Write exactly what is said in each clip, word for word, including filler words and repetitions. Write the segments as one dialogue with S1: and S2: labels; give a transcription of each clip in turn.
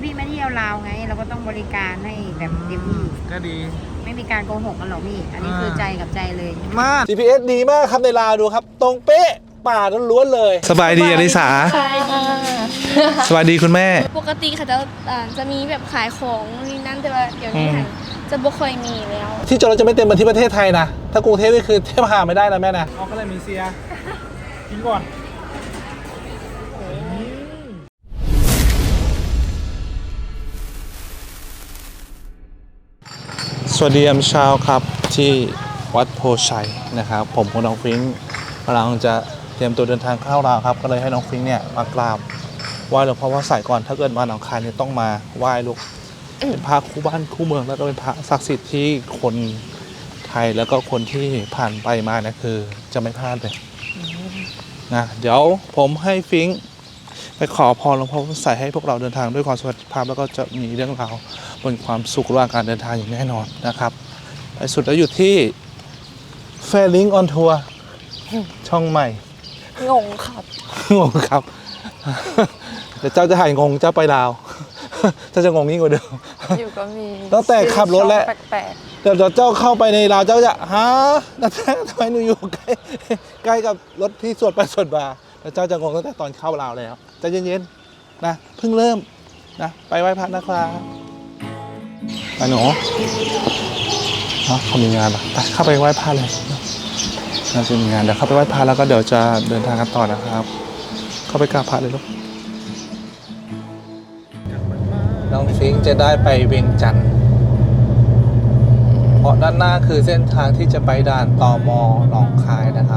S1: พี่ไม่เที่ยวลาวไง เราก็ต้องบริการให้แบบเต็มที่
S2: ก็ดี
S1: ไม่มีการโกหกกันหรอกพี่อันนี้คือใจกับใจเลย
S2: มา จี พี เอส ดีมากครับในลาวดูครับ ตรงเป๊ะป่าล้วนเลย สบายดีอลิสาสบายดีคุณแม่
S3: ปกติค่ะจะจะมีแบบขายของนี่นั่นแต่ว่าเดี๋ยวนี้จะบ่ค่อยมีแล้ว
S2: ที่จอดรถจะไม่เต็มเหมือนที่ประเทศไทยนะถ้ากรุงเทพนี่คือเทพหาไม่ได้นะแม่นะเอาก็เลยมีเซียกินก่อนสวัสดียามเช้าครับที่วัดโพชัยนะครับผมกับน้องฟิงค์กำลังจะเตรียมตัวเดินทางเข้าลาวครับก็เลยให้น้องฟิงค์เนี่ยมากราบไหว้หลวงพ่อพระไสยก่อนถ้าเกิดมาหนองคายเนี่ยต้องมาไหว้ลูกเป็นพระคู่บ้านคู่เมืองแล้วก็เป็นพระศักดิ์สิทธิ์ที่คนไทยแล้วก็คนที่ผ่านไปมาเนี่ยคือจะไม่พลาดเลยนะเดี๋ยวผมให้ฟิงค์ไปขอพรหลวงพ่อพระไสยให้พวกเราเดินทางด้วยความสวัสดิภาพแล้วก็จะมีเรื่องราวบนความสุขระหว่างการเดินทางอย่างแน่นอนนะครับไปสุดแล้วอยู่ที่แฟลิงออนทัวร์ช่องใหม่
S3: งงครับ
S2: งงครับแต่เจ้าจะหายงงเจ้าไปลาวเจ้าจะงงยิ่งกว่าเดิม
S3: อยู่ก็มี
S2: ตั้งแต่ขับรถแล้ว
S3: แปลก
S2: ๆเดี๋ยวเจ้าเข้าไปในลาวเจ้าจะฮะนั่นแท้ทำไมหนูอยู่ใกล้ใกล้กับรถที่สวดไปสวดมาแล้วเจ้าจะงงตั้งแต่ตอนเข้าลาวแล้วใจเย็นๆนะเพิ่งเริ่มนะไปไหว้พระนะครับไปหนูเนาะเขามีงานป่ะไปเข้าไปไหว้พระเลยน่าจะมีงานเดี๋ยวเข้าไปไหว้พระแล้วก็เดี๋ยวจะเดินทางกันต่อนะครับเข้าไปกราบพระเลยลูกน้องฟิงค์จะได้ไปเวียงจันทร์เพราะด้านหน้าคือเส้นทางที่จะไปด่านตม.หนองคายนะครับ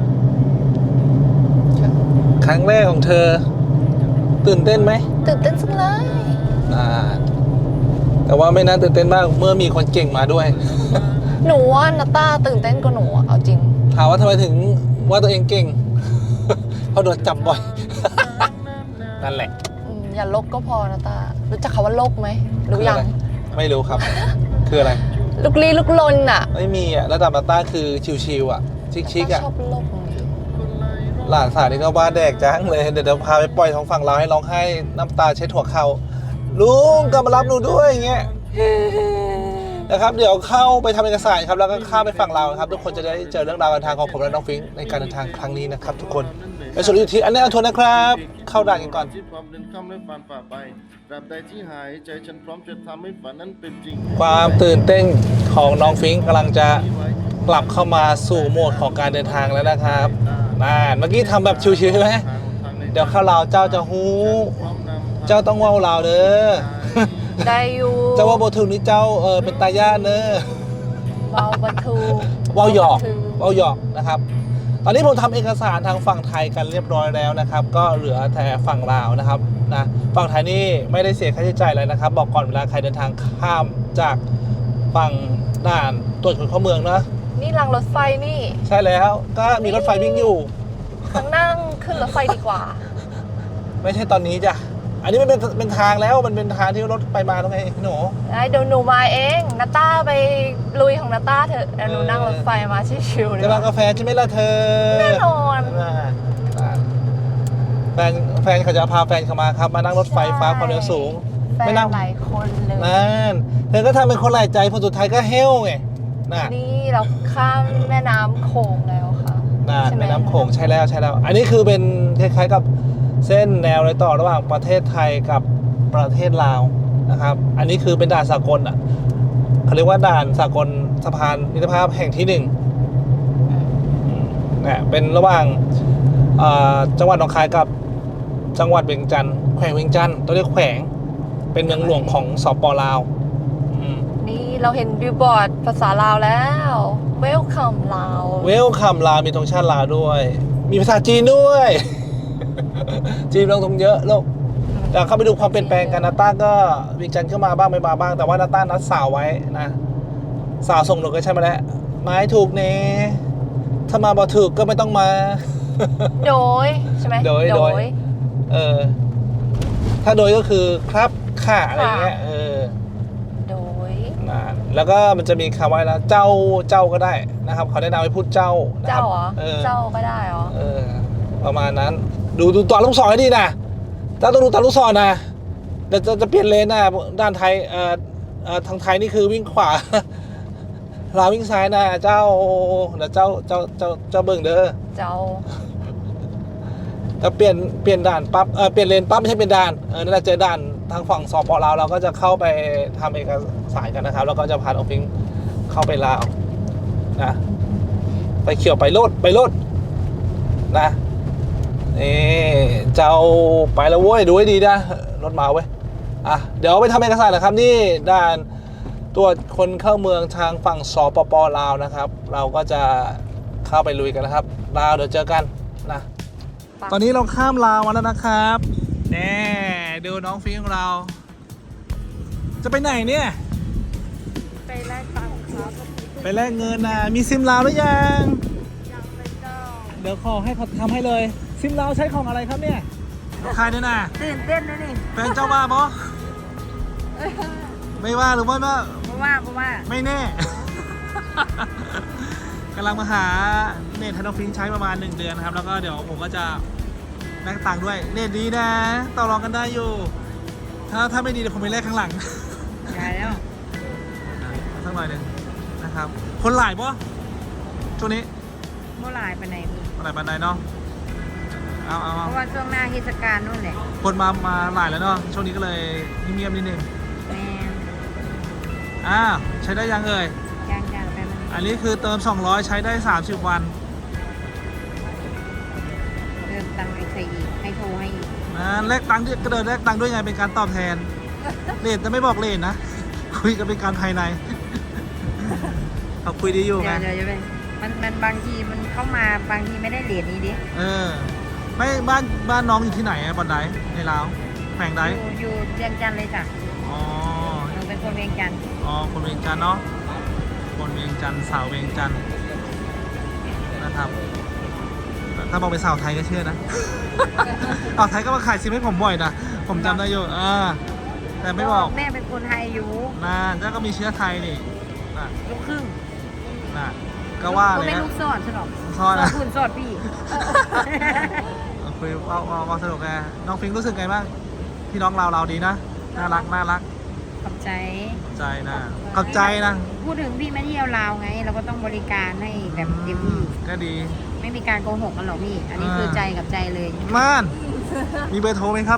S2: ครั้งแรกของเธอตื่นเต้นไหม
S3: ตื่นเต้นสุดเลย
S2: น่าแต่ว่าไม่น่าตื่นเต้นมากเมื่อมีคนเก่งมาด้วย
S3: หนูว่านาต้าตื่นเต้นกว่าหนูเอาจริง
S2: ถามว่าทำไมถึงว่าตัวเองเก่งเพราะโดนจับบ่อยนั่นแหละ
S3: อย่าลกก็พอนาต้ารู้จักคำว่าลกไหมรู้ยัง
S2: ไม่รู้ครับคืออะไร
S3: ลุกลี้ลุกลนอ่ะ
S2: ไม่มีอ่ะระดับนาต้าคือชิวๆอ่ะชิคๆอ่ะ
S3: ชอบลก
S2: หลานสาวนี่ก็ว่าแดกจังเลยเดี๋ยวเดี๋ยวพาไปปล่อยท้องฝั่งเราให้ร้องไห้น้ำตาเช็ดหัวเข่าลุงกลับมารับหนูด้วยอย่างเงี้ยนะครับเดี๋ยวเข้าไปทำเอกสารครับแล้วก็ข้ามไปฝั่งเราครับทุกคนจะได้เจอเรื่องราวการทางของผมและน้องฟิงค์ในการเดินทางครั้งนี้นะครับทุกคนไปสุดอยู่ที่อันนี้อันทวนนะครับเข้าด่านกันก่อนความตื่นเต้นของน้องฟิงค์กำลังจะกลับเข้ามาสู่โหมดของการเดินทางแล้วนะครับน่าเมื่อกี้ทำแบบชิวๆใช่ไหมเดี๋ยวเข้าเราเจ้าจะฮู้เจ้าต้องว่าวเราเด้อ
S3: ได้อยู่
S2: เจ้าว่าบทูนี่เจ้าเออเป็นตาย่าเนอะ
S3: ว่าวบทู
S2: ว่าวหยอกว่าวหยอกนะครับตอนนี้ผมทำเอกสารทางฝั่งไทยกันเรียบร้อยแล้วนะครับก็เหลือแต่ฝั่งลาวนะครับนะฝั่งไทยนี่ไม่ได้เสียค่าใช้จ่ายอะไรนะครับบอกก่อนเวลาใครเดินทางข้ามจากฝั่งด่านตรวจคนเข้าเมืองนะ
S3: นี่รางรถไฟนี่
S2: ใช่แล้วก็มีรถไฟวิ่งอยู่
S3: นั่งขึ้นรถไฟดีกว่า
S2: ไม่ใช่ตอนนี้จ้ะอันนี้มันเป็นเป็นทางแล้วมันเป็นทางที่รถไปมาตรงไหนหนู
S3: เดี๋ยวหนูมาเองนาต้าไปลุยของนาต้าเถอะหนูนั่งรถไฟมาชิวๆเลย
S2: จะมากาแฟใช่ไหมล่ะเธอ
S3: แน่นอน
S2: แฟนแฟนเขาจะพาแฟนเขามาครับมานั่งรถไฟฟ้าความเร็วสูง
S3: ไม่นั่งหลายคนเลย
S2: นั่นเธอก็ทำเป็นคนหลายใจพอสุดท้ายก็เฮลไง
S3: นี่เราข้ามแม่น้ำโขงแล้วค่ะ
S2: น่าแม่น้ำโขงใช่แล้วใช่แล้วอันนี้คือเป็นคล้ายๆกับเส้นแนวรอยต่อระหว่างประเทศไทยกับประเทศลาวนะครับอันนี้คือเป็นด่านสากลอ่ะเขาเรียกว่าด่านสากลสะพานมิตรภาพแห่งที่หนึ่งเนี่ยเป็นระหว่างจังหวัดหนองคายกับจังหวัดเวียงจันทร์แขวงเวียงจันทร์ต้องเรียกแขวงเป็นเมืองหลวงของสปลาว
S3: นี่เราเห็นบิลบอร์ดภาษาลาวแล้วเวลคัมลาว
S2: เวลคัมลาวมีธงชาติลาวด้วยมีภาษาจีนด้วยจีนลงทุนเยอะลูกเดี๋ยวเข้าไปดูความเปลี่ยนแปลงกันนาต้าก็วิงจันทร์ขึ้นมาบ้างไม่มาบ้างแต่ว่านาต้านัดสาวไว้นะสาวส่งหนูก็ใช่ไหมแหละไม้ถูกเน่ถ้ามาบ่ถูกก็ไม่ต้องมา
S3: โดยใช่ไหม
S2: โดยโดยเออถ้าโดยก็คือครับค่ะอะไรเงี้ยเออ
S3: โดย
S2: นะแล้วก็มันจะมีคำว่านะเจ้าเจ้าก็ได้นะครับเขาแนะนำให้พูดเจ้า
S3: เจ้าเหรอเจ้าก็ได้เหรอ
S2: เออประมาณนั้นดูดูตอนลูกศรให้ดีนะเจ้าต้องดูตอนลูกศรนะเดี๋ยวจะจะเปลี่ยนเลนนะด้านไทยเอ่อเอ่อทางไทยนี่คือวิ่งขวา ลาววิ่งซ้ายนะเจ้าเดี๋ยวเจ้าเจ้าเจ้าเจ้าเบิ่งเด้อ
S3: เจ้า
S2: จะเปลี่ยนเปลี่ยนด่านปั๊บเออเปลี่ยนเลนปั๊บไม่ใช่เปลี่ยนด่านเออนั่นแหละเจอด่านทางฝั่งสปลาวเราก็จะเข้าไปทำเอกสารกันนะครับแล้วก็จะพาน้องฟิงเข้าไปลาวนะไปเขียวไปโลดไปโลดนะนี่เจ้าไปแล้วเว้ยดูให้ดีนะรถมาเว้ยอ่ะเดี๋ยวไปทำเอกสารนะครับนี่ด่านตรวจคนเข้าเมืองทางฝั่งสปปลาวนะครับ เราก็จะเข้าไปลุยกันนะครับลาวเดี๋ยวเจอกันนะตอนนี้เราข้ามลาวมาแล้วนะครับแน่ดูน้องฟิงของเรา จะไปไหนเนี่ย
S3: ไปแลกตังค์ครับ
S2: ไปแลกเงินนะมีซิมลาวหรือยัง
S3: ยังไปเจ้า
S2: เดี๋ยวขอให้เขาทำให้เลยซิมลาวใช้ของอะไรครับเนี่ยใครเนี่ยนะ
S1: ตื่นเต้นนะนี่
S2: แฟนเจ้าว่าบอไม่ว่าหรือว่าไม่
S1: เพราะว่าเพราะว่า
S2: ไม่แน่ กำลังมาหาเน็ตให้น้องฟิงใช้ประมาณหนึ่งเดือนนะครับแล้วก็เดี๋ยวผมก็จะแลกตังค์ด้วยเน็ตดีนะต่อรองกันได้อยู่ถ้าถ้าไม่ดีเดี๋ยวผมไปแลกข้างหลัง
S1: ได้แล้ว
S2: สักหน่อยหนึ่งนะครับคนหลายปะช่วงนี้
S1: เมื่อไหร่ไปไหนพี่
S2: คนหลายปันใดเนาะเอาเอา
S1: เพ
S2: เอา
S1: ราะว่าช่วงหน้าเทศกาลนู่นแหละ
S2: คนมามาหลายแล้วเนาะช่วงนี้ก็เลยเงียบๆนิดนึง
S1: แม่
S2: อ้าวใช้ได้ยังเอ่ย
S1: ย่างย่างไปมัน
S2: อันนี้คือเติมสองร้อยใช้ได้สามสิบวัน
S1: เริ่มตังค์ไปใส่อีกให้โทรให้อีก
S2: นะแลกตังค์ด้วยก็เดินแลกตังค์ด้วยไงเป็นการตอบแทนเลทจะไม่บอกเลทนะ คุยกันเป็นการภายใน เขาคุยดีอยู่
S1: เดี๋
S2: ไง
S1: ยวเดี๋ยวจะไปมันมันบางทีมันเข้ามาบางทีไม่ได้เหรียญนี้ดิ
S2: เออไม่บ้านบ้านน้องอยู่ที่ไหนอะบอนไดในลาวแขวงใด
S1: อยู่อยู่เวียงจันทร์เลยจ้ะ
S2: อ๋อ
S1: หนูเป็นคนเวียงจันทร์
S2: อ๋อคนเวียงจันทร์เนาะคนเวียงจันทร์สาวเวียงจันทร์นะครับถ้าบอกเป็นสาวไทยก็เชื่อนะ สาวไทยก็มาขายซิมให้ผมบ่อยนะผมจำได้อยู่อ่าแต่ไม่บอก
S1: แม่เป็นคนไทยอยู่
S2: น่าเจ้าก็มีเชื้อไทยนี่น่ะ
S1: ลูกครึ่ง
S2: น่ะก็ว่าเลย
S1: ไม่
S2: นะ
S1: ลูกสอดสนอง
S2: สอดนะ
S1: คุณสอดพี่
S2: คุยเอาเอาเอาสนุกไงน้องฟิงรู้สึกไงบ้างพี่น้องเราเราดีนะน่ารักน่ารัก
S1: ขอบใจ
S2: ขอบใจนะขอบใจนะ
S1: พูดถึงพี่มาเที่ยวลาวไง เราก็ต้องบริการให้แบบเต็มที่
S2: ก็ดี
S1: ไม่มีการโกหกกันหรอกพี่ อันนี้คือใจกับใจเลย
S2: ม่านมีเบอร์โทรไหมครับ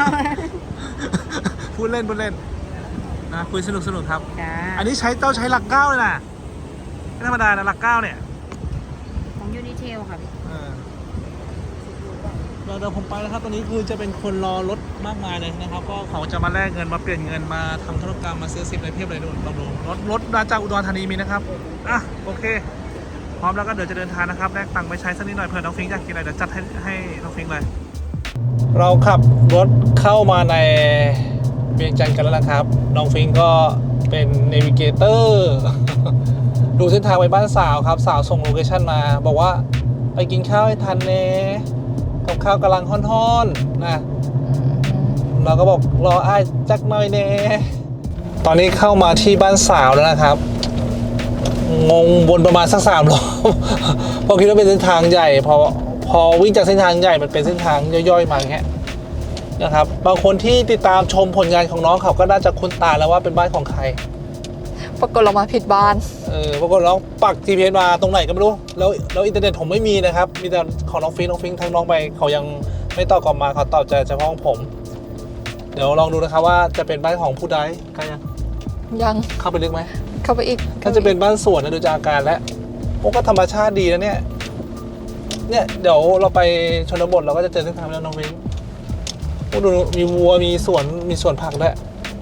S2: พูดเล่นพูดเล่นนะคุยสนุกสนุกครับ
S1: จ้า
S2: อันนี้ใช้เจ้าใช้หลักเก้าเลยนะไม่ธรรมดานะหลักเก้าเนี่ย
S1: ของยูนิเทลค่ะพี่
S2: เออเดี๋ยวเดี๋ยวผมไปแล้วครับตอนนี้คือจะเป็นคนรอรถมากมายเลยนะครับก็เขาจะมาแลกเงินมาเปลี่ยนเงินมาทำธุรกรรมมาซื้อซิมอะไรเพียบเลยดูลองดูรถรถมาจากอุดรธานีมีนะครับอ่ะโอเค พร้อมแล้วก็เดี๋ยวจะเดินทางนะครับแลกตังค์ไปใช้สักนิดหน่อยเผื่อน้องฟิงอยากกินอะไรเดี๋ยวจัดให้ให้น้องฟิงเลย เราขับรถเข้ามาในเวียงจันทร์กันแล้วนะครับน้องฟิงก็เป็นเนวิเกเตอร์ ดูเส้นทางไปบ้านสาวครับสาวส่งโลเคชั่นมา บอกว่าไปกินข้าวให้ทันเน่กับข้าวกำลังฮ้อนๆนะเราก็บอกรออ้ายจักหน่อยเน่ตอนนี้เข้ามาที่บ้านสาวแล้วนะครับงงวนประมาณสักสามรอบ เพราะคิดว่าเป็นเส้นทางใหญ่พอพอวิ่งจากเส้นทางใหญ่มันเป็นเส้นทางย่อยๆมาอย่างเงี้ยนะครับบางคนที่ติดตามชมผลงานของน้องเขาก็น่าจะคุ้นตาแล้วว่าเป็นบ้านของใคร
S3: ปรากฏเรามาผิดบ้าน
S2: เออปรากฏน้องปัก จี พี เอส มาตรงไหนก็ไม่รู้แล้วแล้วอินเทอร์เน็ตผมไม่มีนะครับมีแต่ของน้องฟิงน้องฟิงทั้งน้องไปเขายังไม่ตอบกลับมาเขาตอบใจเฉพาะของผม เดี๋ยวลองดูนะครับว่าจะเป็นบ้านของผู้ใดกันยัง
S3: ยัง
S2: เข้าไปลึกไหม
S3: เข้าไปอีก
S2: ถ้าจะเป็นบ้านสวนนะดูจากอาการแล้วโอ้ก็ธรรมชาติดีนะเนี่ยเนี่ยเดี๋ยวเราไปชนบทเราก็จะเจอเส้นทางแล้วน้องฟิงโอ้ดูมีวัวมีสวนมีสวนผักด้วย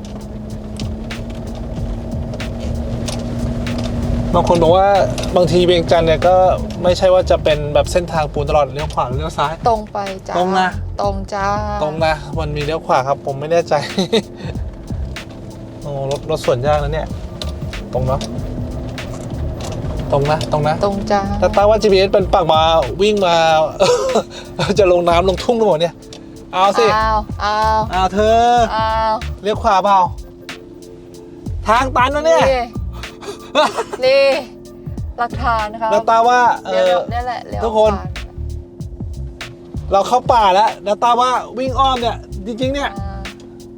S2: บางคนบอกว่าบางทีเวียงจันทร์เนี่ยก็ไม่ใช่ว่าจะเป็นแบบเส้นทางปูนตลอดเลี้ยวขวาหรือเลี้ยวซ้าย
S3: ตรงไปจ้า
S2: ตรงนะ
S3: ตรงจ้า
S2: ตรงนะมันมีเลี้ยวขวาครับผมไม่แน่ใจ โอ้รถรถสวนยากนะเนี่ยตรงเนาะตรงนะตรงนะ
S3: ตรงจ้า
S2: แต่ตั้งว่า จี พี เอส เป็นปักมาวิ่งมา จะลงน้ำลงทุ่งทั้งหมดเนี่ยเอาสิ
S3: อ้าวอ้าว
S2: เอาเธอ
S3: อ้าว
S2: เลี้ยวขวาเปล่าทางตันนะเนี่ย
S3: นี่หลักฐานนะคะ
S2: แล้วตาว่าเอ
S3: เลี้ยว
S2: อ
S3: เนี่ยแหละเลี้ยว
S2: ทุกคน
S3: ขวา
S2: เราเข้าป่าแล้วแล้วตาว่าวิ่งอ้อมเนี่ยจริงๆเนี่ย
S3: อ่า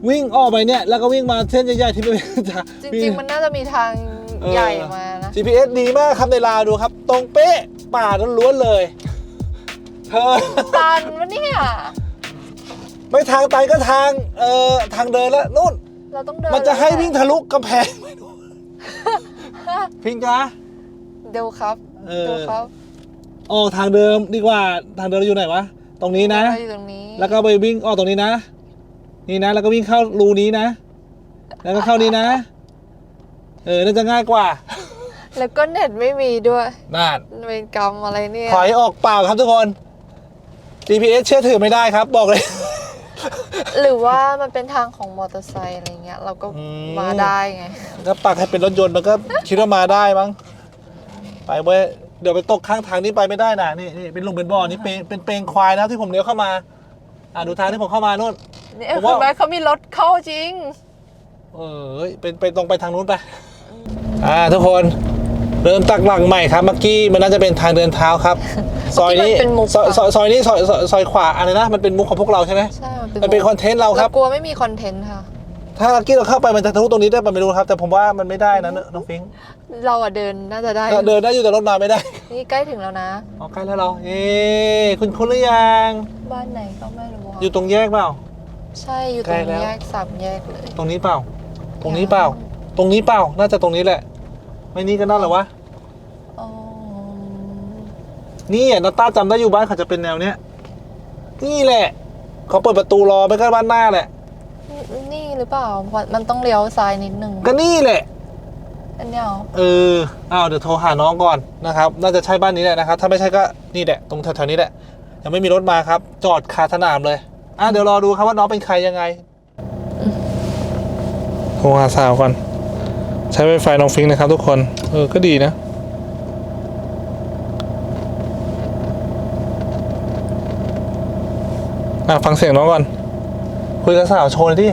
S2: วิ่งออกไปเนี่ยแล้วก็วิ่งมาเส้นใหญ่ๆที่ไม่เป็นทาง
S3: จริงๆมันน่าจะมีทางใหญ่มานะ
S2: จี พี เอส ดีมากครับในลาวดูครับ ตรงเป๊ะป่าล้วนๆเลยเธอ
S3: ตันวะเนี่ย
S2: ไม่ทางไตก็ทางเอ่อทางเดินแล้วนู่น
S3: เราต้องเดิน
S2: มันจะให้วิ่งทะลุกำแพงไม่รู้พิงกะ
S3: เดี๋ยวครับ
S2: เออ
S3: เดี๋ยวครับ
S2: ออกทางเดิมดีกว่าทางเดิมอยู่ไหนวะตรงนี้นะ
S3: เราอยู่ตรงนี้
S2: แล้วก็ไปวิ่งออกตรงนี้นะ นี่นะ แล้วก็วิ่งเข้ารูนี้นะ แล้วก็เข้านี้นะ เออน่าจะง่ายกว่า
S3: แล้วก็เน็ตไม่มีด้วย
S2: นั่น
S3: เป็นกรรมอะไรเนี่ย
S2: ถอยออกเปล่าครับทุกคน จี พี เอส เชื่อถือไม่ได้ครับ บอกเลย
S3: หรือว่ามันเป็นทางของมอเตอร์ไซค์อะไรเงี้ยเราก็
S2: อืม
S3: มาได้ไง
S2: ถ้าปักให้เป็นรถยนต์มันก็คิดว่ามาได้มั้งไปเว้ยเดี๋ยวไปตกข้างทางนี้ไปไม่ได้นะนี่นี่เป็นหลุมเป็นบ่อนี่เป็นเป็นเปลงควายนะที่ผมเลี้ยวเข้ามาอ่ะดูทางที่ผมเข้ามานู่น
S3: นี่
S2: ผม
S3: คุ
S2: ว่า
S3: ณแม่เขามีรถเข้าจริง
S2: เออเฮ้ยเป็นไปตรงไปทางนู้นไปอ่าทุกคนเริ่มตักหลังใหม่ครับเมื่อกี้มันน่าจะเป็นทางเดินเท้าครับ ซอยนี้
S3: เมื่อกี้มันเป็นมุก
S2: ซอย
S3: อะ
S2: ซอยซอยนี้ซอยซอยซอยขวาอะไรนะมันเป็นมุกของพวกเราใช่ไหม
S3: ใช่
S2: มันเป็นคอนเทนต์เราครับ
S3: กลัวไม่มีคอนเทนต์ค่ะ
S2: ถ้าเมื่อกี้เราเข้าไปมันจะทะลุตรงนี้ได้ปะไม่รู้ครับ แต่ผมว่ามันไม่ได้นะน้องฟิงค์
S3: เราอะเดินน่าจะได้
S2: เดินได้อยู่แต่รถมาไม่ได้
S3: นี่ใกล้ถึงแล้วนะ
S2: อ๋อใกล้แล้วเราเอ๊ะคุณคุณหรือยัง
S3: บ้านไหนก็ไม่รู้อะ
S2: อยู่ตรงแยกเปล่า
S3: ใช่อยู่ต
S2: ใก
S3: ร
S2: ล้
S3: ง
S2: แล้ว
S3: แยกสามแยกเลย
S2: ตรงนี้เปล่า ตรงนี้เปล่า ตรงนี้เปล่า น่าจะตรงนี้แหละ ไม่นี่ก็น่าเหรอวะ
S3: อ๋อ
S2: นี่อ่ะนาต้าจำได้อยู่บ้านเขาจะเป็นแนวเนี้ย นี่แหละเขาเปิดประตูรอไม่ก็บ้านหน้าแหละ
S3: นี่หรือเปล่ามันต้องเลี้ยวซ้ายนิดนึง
S2: ก็นี่แหละ
S3: อันเนี้ยเหรอ
S2: เอออ้าวเดี๋ยวโทรหาน้องก่อนนะครับ น่าจะใช่บ้านนี้แหละนะครับ ถ้าไม่ใช่ก็นี่แหละ ตรงแถวๆนี้แหละ ยังไม่มีรถมาครับ จอดคาสนามเลย อ่ะเดี๋ยวรอดูครับว่าน้องเป็นใครยังไง โทรหาสาวก่อน ใช้ไวไฟน้องฟิงค์นะครับทุกคน เออ ก็ดีนะ อ่ะฟังเสียงน้องก่อน คุยกับสาวโชว์เลยดิ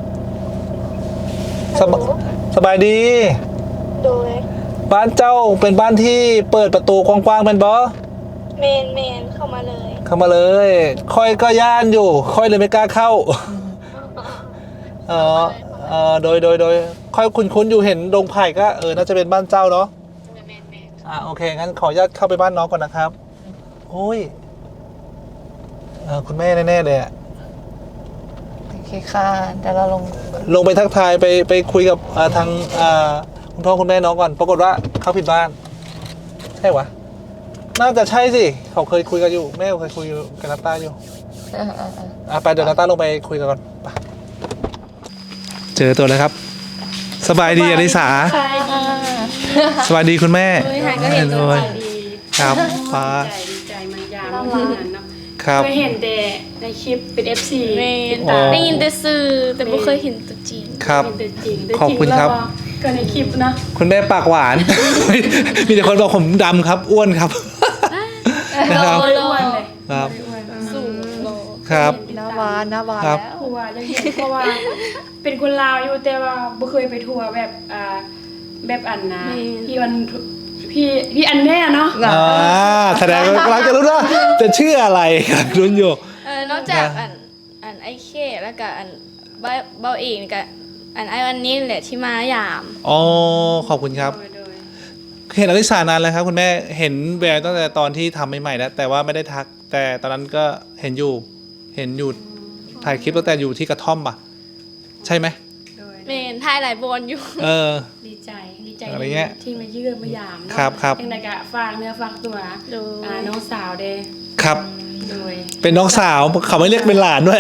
S2: สบสบายดี
S4: โดย
S2: บ้านเจ้าเป็นบ้านที่เปิดประตูกว้างๆเป็นบอ
S4: เมนเมนเข้ามาเลย
S2: เข้ามาเลย ค่อยก็ย่านอยู่ ค่อยเลยไม่กล้าเข้าเออเออโดยโดยโดยค่อยคุ้นๆอยู่เห็นดงไผ่ก็เออน่าจะเป็นบ้านเจ้าเนาะ
S4: เมนเมน
S2: อ่ะโอเคงั้นขออนุญาตเข้าไปบ้านน้องก่อนนะครับโอ้ยเออคุณแม่แน่ๆเลยอะ
S3: โอเคค่ะเดี๋ยวเราลง
S2: ลงไปทักทายไปไปคุยกับอ่าทางอ่าคุณพ่อคุณแม่น้องก่อนปรากฏว่าเขาผิดบ้าน ใช่วะน่าจะใช่สิเขาเคยคุยกันอยู่แม่เคยคุยกับนาต้าอยู่
S3: เออเออเออ
S2: อ่ะไปเดี๋ยวนาต้าลงไปคุยกันก่อนไปเจอตัวแล้วครับ สบายดีอลิสา
S4: ใช่ดี
S2: สบายดีคุณแม่
S4: เฮ้ยหายก็เห็นตัวใจดี
S2: ครับป้า
S4: ใจดีใจมันยามเหมือนกันเนาะ
S2: ครับ
S4: เคยเห็นแต่ในคลิปเป็น เอฟ ซี
S5: แม่
S4: เป็น
S2: อ๋
S4: ตา
S2: อ
S5: ได้ยินแต่สื่อแต่ไม่เคยเห็นตัวจริง
S2: ครับ
S4: เห็นแต่จริงแต่
S2: ขอบ
S4: จริง
S2: คุณครับ
S4: แล้วก็ในคลิปนะ
S2: คุณแม่ปากหวาน มีแต่คนบอกผมดำครับ อ้วนครับ นะครับ
S4: ไม่ได้อ้วนเลย
S2: ครับ
S4: ไม่ได้อ้วน
S5: สูงโล
S2: ครับ
S3: หน้าบานหน้าบาน
S2: ครับ
S3: แล้ว
S4: เพราะว่าจะเห็นเพราะว่าเป็นคนลาวอยู่แต่ว่าบ่เคยไปทัวร์แบบอ่าแบบอันนะพี่อันพี่พี่อันแน่เนาะ
S2: อ่าแสดงว่ากำลังจะรู้ว่าจะชื่ออะไรครับรุนอยู่
S5: เออนอกจากอันอันไอเคแล้วก็อันเบาเบาเองกับอันไอวันนี้แหละที่มายาม
S2: อ๋อขอบคุณครับ
S4: โดยโดย
S2: เห็นอลิสานานแล้วครับคุณแม่เห็นแววตั้งแต่ตอนที่ทำใหม่ๆแล้วแต่ว่าไม่ได้ทัก แต่ตอนนั้นก็เห็นอยู่เห็นอยู่ถ่ายคลิปตั้งแต่อยู่ที่กระท่อมปะใช่ไหม
S4: โดย
S5: เมนถ่ายหลายบอลอยู่
S2: เออ
S4: ดีใจดีใจ
S2: อะไรเงี้ย
S4: ที่มาเยือนมายามเนาะ
S2: ครับครับ
S4: ยังไงก็ฝากเนื้อฝากตัว
S5: โดย
S4: อ่าน้องสาวเด้
S2: ครับ
S4: โดย
S2: เป็นน้องสาวเขาไม่เรียกเป็นหลานด้วย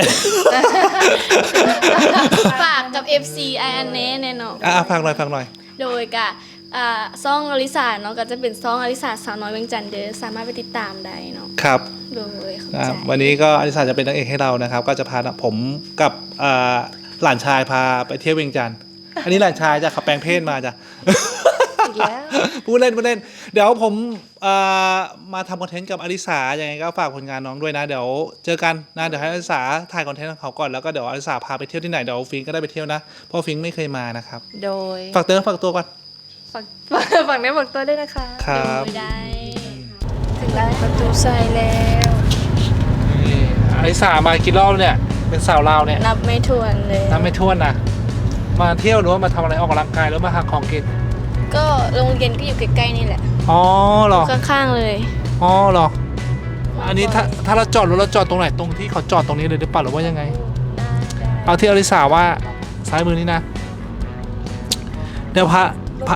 S5: ฝากกับ เอฟ ซี ไออันเน่แน่นอน
S2: อ่ะฟังหน่อยฟังหน่อย
S5: โดยกับอ่าซ่องอลิสาเนาะก็จะเป็นซ่องอลิสาสาวน้อยเวียงจันทน์เด้อสามารถไปติดตามได้เนาะ
S2: ครับ
S5: โดยเข้า
S2: อ่ะ
S5: ใจ
S2: วันนี้ก็อลิสาจะเป็นนางเอกให้เรานะครับ ก็จะพาผมกับอ่าหลานชายพาไปเที่ยวเวียงจันทร์อันนี้หลานชายจะขับแปลงเพศมาจ้ะ
S3: อีกแล้ว
S2: พูดเล่นพูดเล่น เดี๋ยวผมเอ่อมาทำคอนเทนต์กับอลิสาอย่างไงก็ฝากผลงานน้องด้วยนะ เดี๋ยวเจอกันนะ เดี๋ยวให้อลิสาถ่ายคอนเทนต์ของเขาก่อน แล้วก็เดี๋ยวอลิสาพาไปเที่ยวที่ไหน เดี๋ยวฟิงก็ได้ไปเที่ยวนะ เพราะฟิงไม่เคยมานะครับ
S3: โดย
S2: ฝากเตือนฝากตัวก่อน
S3: ฝั่งฝั่งนี้ฝั่งตัวด้วยนะคะ
S2: ครับ
S5: โดยได้
S3: ถึงแล้วประตูใส่แล้ว
S2: นี่อลิสามากี่รอบเนี่ยเป็นสาวลาวเนี่ย
S5: นับไม่ถ้วนเลย
S2: นับไม่ถ้วนนะมาเที่ยวหรือว่ามาทำอะไรออกกำลังกายหรือมาหาของกิน
S5: ก็โรงเรียนก็อยู่ใกล้ๆนี่แหละ
S2: อ๋อเหรอ
S5: ข้างๆเลย
S2: อ๋อเหรออันนี้ถ้าถ้าเราจอดรถเราจอดตรงไหนตรงที่เขาจอดตรงนี้เลยหรือเปล่าหรือว่ายังไง เอาที่อลิสาว่าซ้ายมือนี้นะ เดี๋ยวพระพระ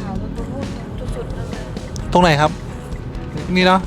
S2: ตรงไหนครับ นี่เนาะ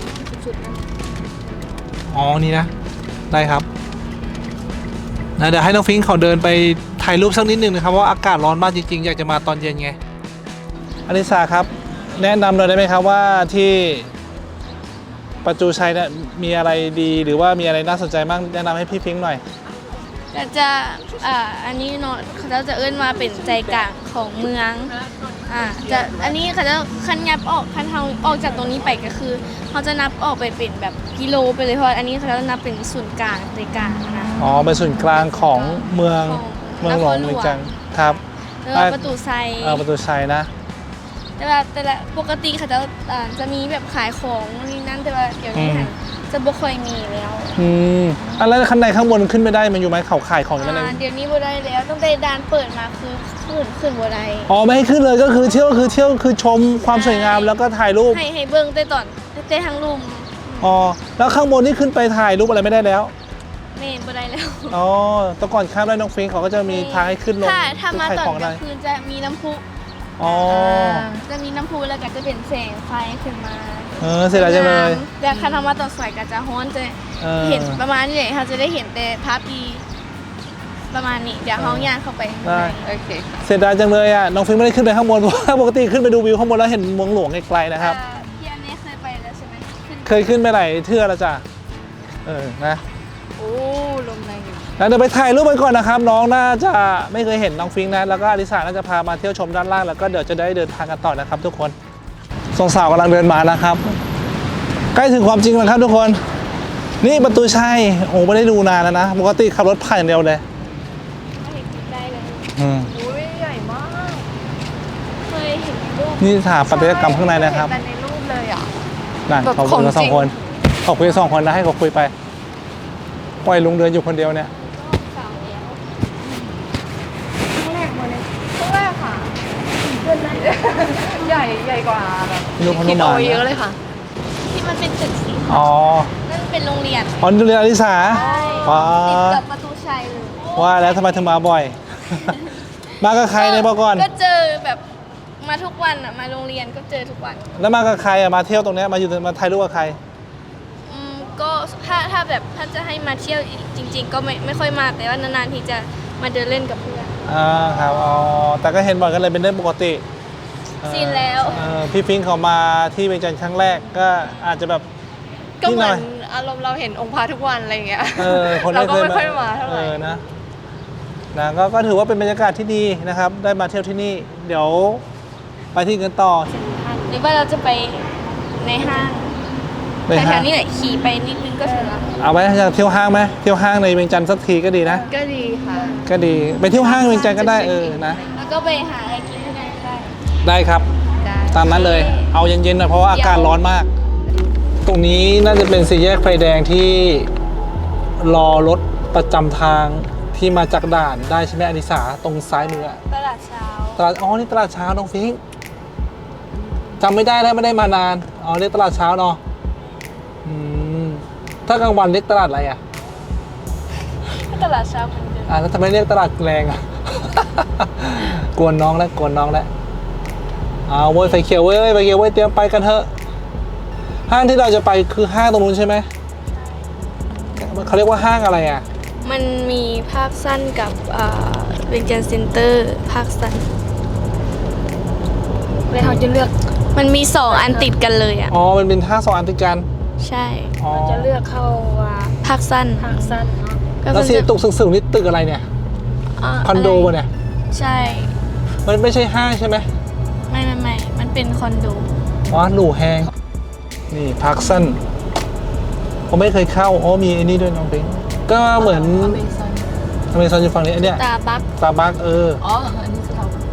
S2: อ๋อนี่นะได้ครับนะเดี๋ยวให้น้องฟิงค์เขาเดินไปถ่ายรูปสักนิดนึงนะครับเพราะว่าอากาศร้อนมากจริงๆอยากจะมาตอนเย็นไงอลิสาครับ แนะนำหน่อยได้ไหมครับว่าที่ประจูชัยเนี่ยมีอะไรดีหรือว่ามีอะไรน่าสนใจบ้างแนะนำให้พี่ฟิงค์หน่อย
S5: ก็จะอ่าอันนี้เนาะเขาจะเอิ้นมาเป็นใจกลางของเมืองอ่าจะอันนี้เขาจะคันยับออกคันเทาออกจากตรงนี้ไปก็คือเขาจะนับออกไปเป็นแบบกิโลไปเลยเพราะอันนี้เขาจะนับเป็นศูนย์กลางใจกลางนะ
S2: อ๋อเป็นศูนย์กลางของเมือง
S5: ของ
S2: เมืองหลวง
S5: นครหลวง
S2: เมืองจังครับ
S5: แล้วก็ประตูไซ
S2: เออประตูชัยนะ
S5: แต่ว่าแต่ละปกติเขาจะอ่าจะมีแบบขายของนี่นั่นแต่ว่าเดี๋ยวนี้
S2: อืม
S5: หันจะบ่ค่อยมีแล้ว
S2: อืมอ่ะแล้วข้างในข้างบนขึ้นไม่ได้มันอยู่ไหมเขาขายของอยู่ไหม
S5: อ่าเดี๋ยวนี้บ่ได้แล้วตั้งแต่ด่านเปิดมาคือขึ้นขึ้นบ่ได้
S2: อ๋อไม่ให้ขึ้นเลยก็คือเที่ยวคือเที่ยวคือชมความสวยงามแล้วก็ถ่ายรูป
S5: ให้ให้เบิ่งแต่ตอนแต่ทางลุม
S2: อ๋อแล้วข้างบนนี่ขึ้นไปถ่ายรูปอะไรไม่ได้แล้ว
S5: เมนบ่ได้แล้ว
S2: อ๋อแตะก่อนข้ามได้น้องฟิงค์เขาก็จะมีทางให้ขึ้นลง
S5: ถ้าถ้ามา
S2: ขาย
S5: ตอน
S2: ของ
S5: ก
S2: ได้
S5: ลางคืนจะมีน้ำพุ
S2: อ๋อ
S5: จะมีน้ำพุแล้วก็จะเป็นแสงไฟขึ้นมา
S2: เออเสียดายจังเลย
S5: แต่คันทำมาตอนสวยก็จะฮ้อนจะ
S2: เออ
S5: เห็นประมาณนี้เลยค่ะจะได้เห็นแต่ภาพดีประมาณนี้เดี๋ยวเฮาย่างเข้าไปข้าง
S2: ได้
S5: ใน
S3: โอเค
S2: เสียดายจังเลยอ่ะน้องฟิงค์ไม่ได้ขึ้นไปข้างบนเพราะว่าปกติขึ้นไปดูวิวข้างบนแล้วเห็นเมืองหลวงไกลๆนะครับ
S5: อ่าพี่อันนี้เคยไปแล้วใช่ไหมขึ้น
S2: เคยขึ้นไปหลายเทื่อแล้วจ้ะเออนะ
S3: โอ้ลมแรงอยู่
S2: แล้วเดี๋ยวไปถ่ายรูปกันก่อนนะครับ น้องน่าจะไม่เคยเห็นน้องฟิงค์นะแล้วก็อลิสาน่าจะพามาเที่ยวชมด้านล่างแล้วก็เดี๋ยวจะได้เดินทางกันต่อนะครับ ทุกคนสองสาวกำลังเดินมานะครับ ใกล้ถึงความจริงแล้วครับทุกคน นี่ประตูชัยโอ้ไม่ได้ดูนานแล้วนะปกติขับรถผ่านอย่างเดียวเลย
S5: เห็นใกล้ๆเลย
S2: อืม
S3: อุ้ยใหญ่มาก
S5: เคยเห็นรูป
S2: นี่สถาปัตยกรรมข้างในนะครับ
S3: เห็แต่ในรูปเลยอ่ะ
S2: นั่น
S3: แบบ
S2: เขาคุยกัน
S3: ของจริง
S2: สองคนเขาคุยกันสองคนนะให้เขาคุยไปปล่อยลุงเดินอยู่คนเดียวเนี่ย
S5: สาวแล้ว
S3: ครั้งแรกค่ะใหญ่ใหญ่กว่าแบบ
S2: รูปพน
S3: คิด
S2: ม
S3: เอา
S2: มา
S3: ไว้เยอะเลยค่ะ
S5: ที่มันเป็นตึกสี
S2: อ๋อ
S5: นั่นเป็นโรงเรียน
S2: อ๋อนี่เรียนอลิสาว้า
S5: ติดกับประตูชัยเลย
S2: ว่าแล้วทำไมถึงมาบ่อย มากับใครในยบอกก่อน
S5: ก็เจอแบบมาทุกวันอ่ะมาโรงเรียนก็เจอทุกวัน
S2: แล้วมากับใครอะมาเที่ยวตรงเนี้ยมาอยู่มาถ่ายรูปกับใคร
S5: อืมก็ถ้าถ้าแบบถ้าจะให้มาเที่ยวจริง ๆ ก็ไม่ไม่ค่อยมาแต่ว่านานๆทีจะมาเดินเล่นกับเพื่อน
S2: อ่าครับอ๋อแต่ก็เห็นบ่อยกันเลยเป็นเรื่องปกติเออ
S5: ชินแล้ว
S2: เออพี่ฟิงค์เขามาที่เวียงจันทร์ครั้งแรกก็อาจจะแบบ
S3: ก็เหมื
S2: นิดห
S3: อ
S2: น่
S3: น
S2: ย
S3: อารมณ์เราเห็นองค์พระทุกวันอะไรอย่างเงี้ย
S2: เออคน
S3: เรา
S2: ไม่
S3: ก็
S2: เคย
S3: ไม่ค่อยมาเท่าไห
S2: เอ
S3: ร่
S2: อนะนะก็ก็ถือว่าเป็นบรรยากาศที่ดีนะครับ ได้มาเที่ยวที่นี่ เดี๋ยวไปที่กันต่อ
S5: หรือว่าเราจะไปในห้าง
S2: ไป
S5: แถ
S2: ห้าง
S5: วๆนี้แหละขี่ไปนิดนึงก็ถึงแล้ว
S2: เอาไว้อยากเที่ยวห้างไหมเที่ยวห้างในเวียงจันทร์สักทีก็ดีนะ
S3: ก็ดีค่ะ
S2: ก็ดีไปเที่ยวห้างเวียงจันทร์ก็ได้เออนะ
S5: แล้วก็ไปหาอะไรกินที่ไหนก็ได้
S2: ได้ครับ
S3: ได้
S2: ตามนั้นเลย เอาเย็นๆหน่อยเพราะว่าอากาศร้อนมาก ตรงนี้น่าจะเป็นสี่แยกไฟแดงที่รอรถประจำทางที่มาจากด่านได้ใช่ไหมอนิสาตรงซ้ายมืออะ
S5: ตลาดเช้า
S2: ตลาดอ๋อนี่ตลาดเช้าน้องฟิงค์จำไม่ได้แล้วไม่ได้มานานอ๋อเรียกตลาดเช้าเนาะอืมถ้ากลางวันเรียกตลาดอะไรอ่ะ
S5: ตลาดเช้าเหมือนเดิม
S2: อ่าแล้วทำไมเรียกตลาดแรงอ่ะ กวนน้องแล้วกวนน้องแล้วเอาเว้ยไฟเขียวเว้ยไฟเขียวเว้ยเตรียมไปกันเถอะห้างที่เราจะไปคือห้างตรงนู้นใช่ไหมเขาเรียกว่าห้างอะไรอ่ะ
S5: มันมีภาคสั้นกับอ่าเวียงจันทร์เซ็นเตอร์ภาคสั้น
S3: เลยเขาจะเลือก
S5: มันมีสองอันติดกันเลยอ่ะ
S2: อ๋อมันเป็นห้างสองอันติดกัน
S5: ใช่
S2: อ๋อ
S4: จะเลือกเข้าว่า
S5: ภาคสั้น
S4: ทางสั้นเนาะ
S5: ก็
S2: แล้ว
S5: มัน
S2: สี
S5: จะ
S2: ตุกสึงๆนี่ตึกอะไรเนี่ย
S5: า
S2: คอนโดปะเนี่ย
S5: ใช่
S2: มันไม่ใช่ห้างใช่ไหม
S5: ไม่ไม่ไม่มันเป็นคอนโด
S2: อ๋อหลูแฮงนี่พักสั้นผมไม่เคยเข้าอ๋อมีไอ้นี่ด้วยน้องปิงก็เหมือนอเมซอนอยู่ฝั่งนี้อันเนี้ย
S5: ตาบัก
S2: สตาร์บัคเออ
S3: อ๋อ อันนี้สถาบัน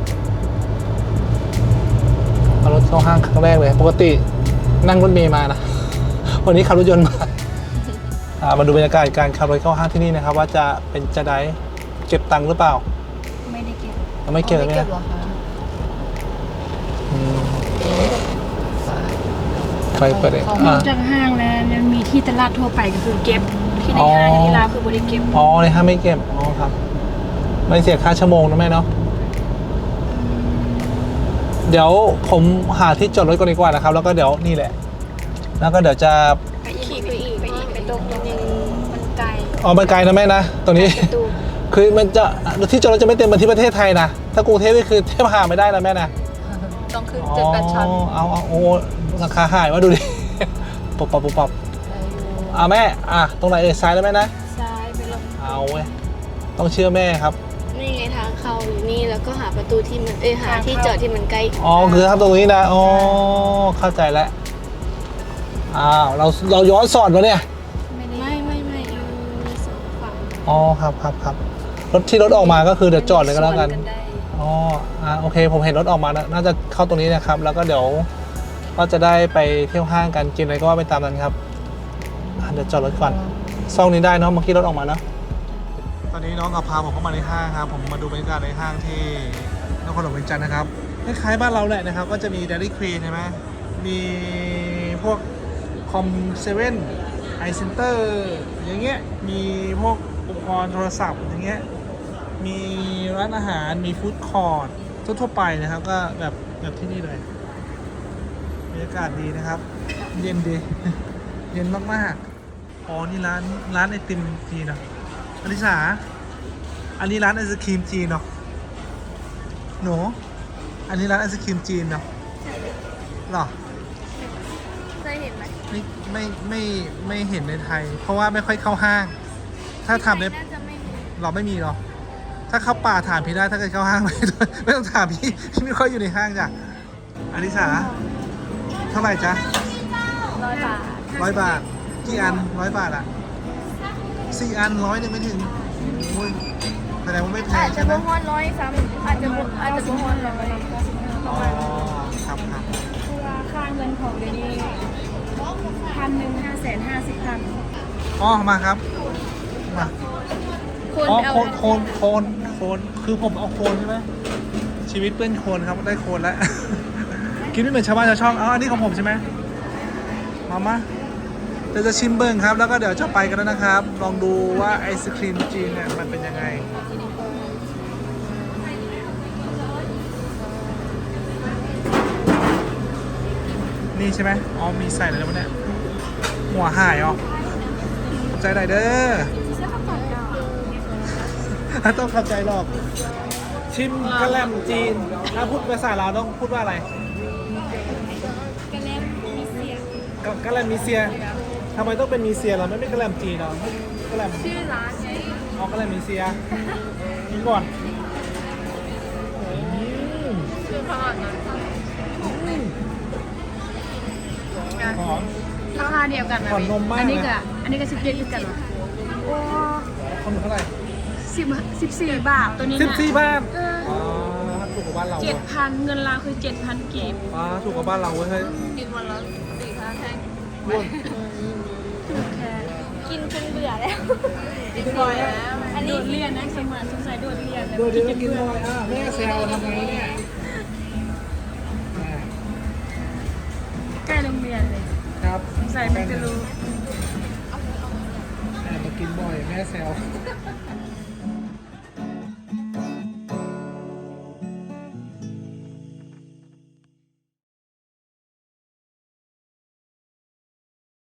S2: เอารถเข้าห้างครั้งแรกเลย ปกตินั่งรถเมล์มานะ วันนี้ขับรถยนต์มาอ่ามาดูบรรยากาศการขับรถเข้าห้างที่นี่นะครับ ว่าจะเป็นจะได้เก็บตังค์หรือเปล่า
S4: ไม่ได้เก็บ
S2: เราไม่เก็บ
S3: ไม่
S2: ไหม
S3: เก็บหรอคะ
S2: อืมไปเปิดเอง
S4: นอ
S2: อ่าก
S4: จากห้างแล้วยังมีที่ตลาดทั่วไปก็คือเก็บที่ในห้างที่ลาวคือบริเก็บ
S2: อ๋อในห้างไม่เก็บอ๋อครับ ไม่เสียค่าชั่วโมงนะแม่เนาะเดี๋ยวผมหาที่จอดรถก่อนดีกว่านะครับ แล้วก็เดี๋ยวนี่แหละ แล้วก็เดี๋ยวจะ
S4: ไปอีกไปอีกไปอีกไปตรงตรงนี้มันไกล
S2: ออกไปไกลนะแม่นะตรงนี้
S4: ตู
S2: คือมันจะที่จอดรถจะไม่เต็มเหมือนที่ประเทศไทยนะถ้ากรุงเทพนี่คือเทียบหาไม่ได้นะแม่นะ
S3: ต้องขึ้นเจ็ดแปดชั้น
S2: อ๋อเอาเอาโอ้ราคาหายว่าดูดิ ปุบปับปุบปับ
S3: ได้อยู่
S2: อ่ะแม่อ่ะตรงไหนเอ่ยซ้ายแล้วแม่นะ
S4: ซ้ายไปลง
S2: เอาเว้ยต้องเชื่อแม่ครับ
S5: นี่ไงทางเข้าอยู่นี่แล้วก็หาประตูที่มันเอ้ยหาที่จอดที่มันใกล้
S2: อ๋อคือครับตรงนี้นะอ๋อเข้าใจแล้วอ้าวเราเราย้อนสอนมาเนี่ย
S5: ไม่ไม่ไม่อยู่สองฝั่ง
S2: อ๋อครับครับครับรถที่รถออกมาก็คือเดี๋ยวจอดเลยก็แล้วกัน
S4: สได้
S2: อ๋ออ่ะโอเคผมเห็นรถออกมานะน่าจะเข้าตรงนี้นะครับ แล้วก็เดี๋ยวก็จะได้ไปเที่ยวห้างกันกินอะไรก็ว่าไปตามนั้นครับอ่ะเดี๋ยวจอดรถก่อนซ่องนี้ได้เนาะเมื่อกี้รถออกมาเนาะตอนนี้น้องกับพาผมเข้ามาในห้างครับผมมาดูบรรยากาศในห้างที่นครหลวงเวียงจันทร์นะครับคล้ายๆบ้านเราแหละนะครับก็จะมี Dairy Queen ใช่ไหมมีพวกคอมเซเว่นไอเซ็นเตอร์อย่างเงี้ยมีพวกอุปกรณ์โทรศัพท์อย่างเงี้ยมีร้านอาหารมีฟู้ดคอร์ททั่วๆไปนะครับก็แบบแบบที่นี่เลยบรรยากาศดีนะครับ เย็นดี เย็นมากๆอ๋อนี่ร้านร้านไอติมจีนเนาะอลิสาอันนี้ร้านไอศครีมจีนเนาะหนูอันนี้ร้านไอศครีมจีนเนาะหรอ
S5: เคยเห็นไหม
S2: ไม่ไม่ไม่ไม่เห็นในไทย เพราะว่าไม่ค่อยเข้าห้าง ถ้าทำใน
S5: น่าจะไม่มี
S2: เราไม่มีหรอกถ้าเข้าป่าถามพี่ได้ถ้าเกิดเข้าห้าง ไม่ต้องไม่ต้องถามพี่พี่ไม่ค่อยอยู่ในห้างจ้ะอลิสาเท่าไหร่จ๊ะ
S5: ร้อยบาท
S2: ร้อยบาทกี่อันร้อยบาทอ่ะสี่อันร้อยหนึ่งไม่ถึงโอ้ยแสดงว่าไม่แพ
S5: อาง จจะ
S2: ใช่ไหม
S5: บ่ฮอนร้อยซ้ำอาจจะบ่อาจจะบ่ฮอนร้อย
S2: อ๋อครับครับ
S4: คือว่าค่าเงินของเดี๋ยวนี้พันหนึ่งห้าแสนห้าสิบพัน
S2: อ๋อมาครับมา
S5: คน
S2: อ๋อ
S5: เอา
S2: โคนโคนโคนโคนคือผมเอาโคนใช่ไหมชีวิตเปื้อนโคนครับได้โคนแล้ว กินไม่เหมือนชาวบ้านชาวช่องอ๋ออันนี้ของผมใช่ไหมมามาเดี๋ยวจะชิมเบิ้งครับ แล้วก็เดี๋ยวจะไปกันแล้วนะครับ ลองดูว่าไอศครีมจีนเนี่ยมันเป็นยังไงนี่ใช่ไหมอ๋อมีใส่อะไรแล้ววะเนี่ยหัวหายอ๋อขอบใจหน่อยเด้อ ต้องเข้าใจหรอก ชิมกะแลมจีนถ้าพูดภาษาเราวต้องพูดว่าอะไรกะแลมมีเซียกะแลมมีเซียทำไมต้องเป็นมีเซียเราไม่เป็นกะแลมจีนเรากะแลมชื่อร้านไงอ๋อกะแลมมีเซียกินก่อนอืม
S3: คือขนาดนั้น
S2: หอม
S4: ราคาเดียวกันไหม
S2: ผ่อนนมมาก
S4: อันนี้
S2: เลย
S4: ก็อันนี้ก็สิบเจ็ดคือกันเหรอโอ้
S2: คนเท่าไหร่
S4: สิบสิบสี่บาทตัวนี้
S2: สิบสี่
S4: นะ
S2: บาทอ๋อถูกกว่าบ้านเรา
S4: เจ็ดพันเงินลาวคือเจ็ดพันกีบ
S2: อ๋อถูกกว่าบ้านเราเว้ยเฮ้ย
S3: กินวันละสี่ห้าแท่ง
S2: อ้วน
S4: ถูกแค่
S5: กินจนเบื่อแล้ว
S3: กินบ่อยแล้ว
S4: อันนี้โดดเรียนนะสมัยสงสัยโดดเรียนนะ
S2: ดูดิว่ากินบ่อยอ่ะแม่แซวทำไงเนี่ย
S4: ใกล้โรงเรียนเลย
S2: ครับ
S4: สงสัยไม่จะรู้
S2: แอบมากินบ่อยแม่แซว